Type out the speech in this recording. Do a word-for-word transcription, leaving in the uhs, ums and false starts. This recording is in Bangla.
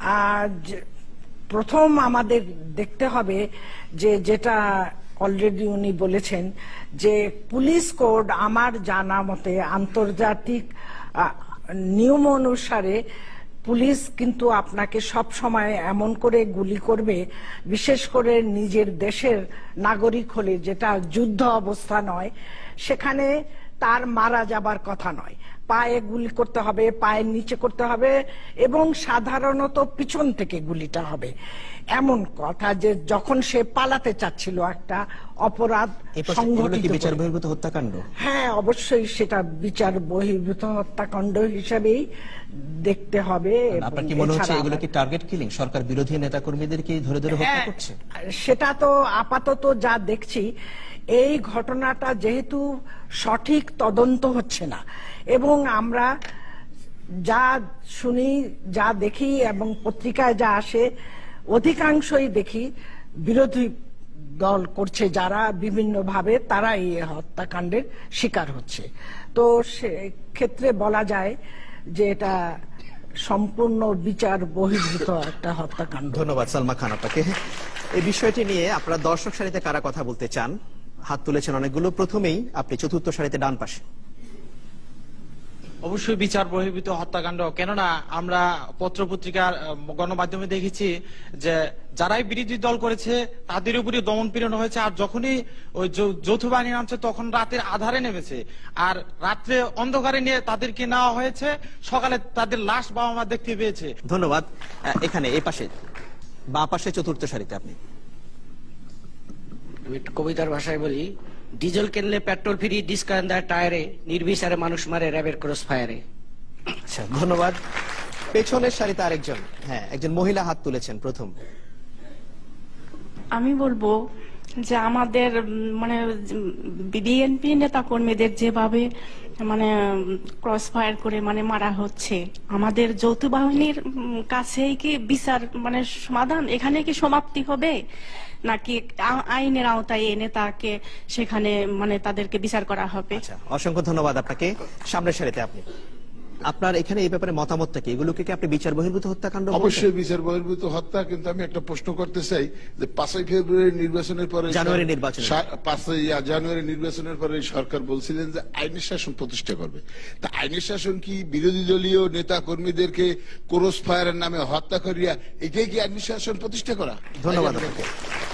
প্রথম আমাদের দেখতে হবে যে যেটা অলরেডি উনি বলেছেন যে পুলিশ কোড আমার জানা মতে আন্তর্জাতিক নিয়ম অনুসারে পুলিশ কিন্তু আপনাকে সব সময় এমন করে গুলি করবে, বিশেষ করে নিজের দেশের নাগরিক হলে, যেটা যুদ্ধ অবস্থা নয়, সেখানে তার মারা যাবার কথা নয়। পায়ে গুলি করতে হবে, পায়ের নিচে করতে হবে, এবং সাধারণত পিছন থেকে গুলিটা হবে। এমন কথা যে যখন সে পালাতে চাচ্ছিল একটা অপরাধ সংঘটিত, বিচার বহির্ভূত হত্যাকাণ্ড। হ্যাঁ, অবশ্যই সেটা বিচার বহির্ভূত হত্যাকাণ্ড হিসেবেই দেখতে হবে। আপনার কি মনে হচ্ছে এগুলো কি টার্গেট কিলিং, সরকার বিরোধী নেতাকর্মীদেরকে ধরে ধরে হত্যা করছে? সেটা তো আপাতত যা দেখছি, এই ঘটনাটা যেহেতু সঠিক তদন্ত হচ্ছে না, এবং আমরা যা শুনি, যা দেখি, এবং পত্রিকায় যা আসে, অধিকাংশই দেখি বিরোধী দল করছে যারা বিভিন্ন ভাবে, তারা এই হত্যাকাণ্ডের শিকার হচ্ছে। তো সে ক্ষেত্রে বলা যায় যে এটা সম্পূর্ণ বিচার বহির্ভূত একটা হত্যাকাণ্ড। ধন্যবাদ সালমা খান আপনাকে। এই বিষয়টি নিয়ে আপনারা দর্শক সারিতে কারা কথা বলতে চান? হাত তুলেছেন অনেকগুলো। প্রথমেই আপনি চতুর্থ সারিতে ডান পাশে। অবশ্যই বিচার বহির্ভূত হত্যাকাণ্ড, কেননা আমরা পত্র পত্রিকার গণমাধ্যমে দেখেছি যে যারাই বিরোধী দল করেছে তাদের উপরে দমন পীড়ন হয়েছে, আর যখনই ওই যৌথ বাহিনী নামছে তখন রাতের আধারে নেমেছে, আর রাত্রে অন্ধকারে নিয়ে তাদেরকে নেওয়া হয়েছে, সকালে তাদের লাশ বাবা মা দেখতে পেয়েছে। ধন্যবাদ। এখানে এই পাশে বাঁ পাশে চতুর্থ সারিতে আপনি। আমি কবিতার ভাষায় বলি, ডিজেল কিনলে পেট্রোল ফ্রি, ডিসকাউন্ট টায়ারে, নির্বিচারে মানুষ মারে র্যাবের ক্রস ফায়ারে। আচ্ছা, ধন্যবাদ। পেছনের সারিতে আরেকজন, হ্যাঁ, একজন মহিলা হাত তুলেছেন প্রথম। আমি বলবো যে আমাদের মানে বিএনপি নেতা কর্মীদের যেভাবে মানে ক্রস ফায়ার করে মানে মারা হচ্ছে, আমাদের যৌথ বাহিনীর কাছেই কি বিচার মানে সমাধান, এখানে কি সমাপ্তি হবে, নাকি আইনের আওতায় এনে তাকে সেখানে মানে তাদেরকে বিচার করা হবে? আচ্ছা, অসংখ্য ধন্যবাদ আপনাকে। সামনের সারিতে আপনি। আপনার এখানে এই ব্যাপারে মতামতটা কি? এগুলোকে কি আপনি বিচার বহির্ভূত হত্যাকাণ্ড? অবশ্যই বিচার বহির্ভূত হত্যা, কিন্তু আমি একটা প্রশ্ন করতে চাই যে পাঁচই ফেব্রুয়ারি নির্বাচনের পরে, জানুয়ারি নির্বাচন, পাঁচই জানুয়ারি নির্বাচনের পরে সরকার বলছিলেন যে আইনের শাসন প্রতিষ্ঠা করবে। তা আইনের শাসন কি বিরোধী দলীয় নেতা কর্মীদেরকে ক্রস ফায়ারের নামে হত্যা করিয়া এটাই কি আইনের শাসন প্রতিষ্ঠা করা? ধন্যবাদ।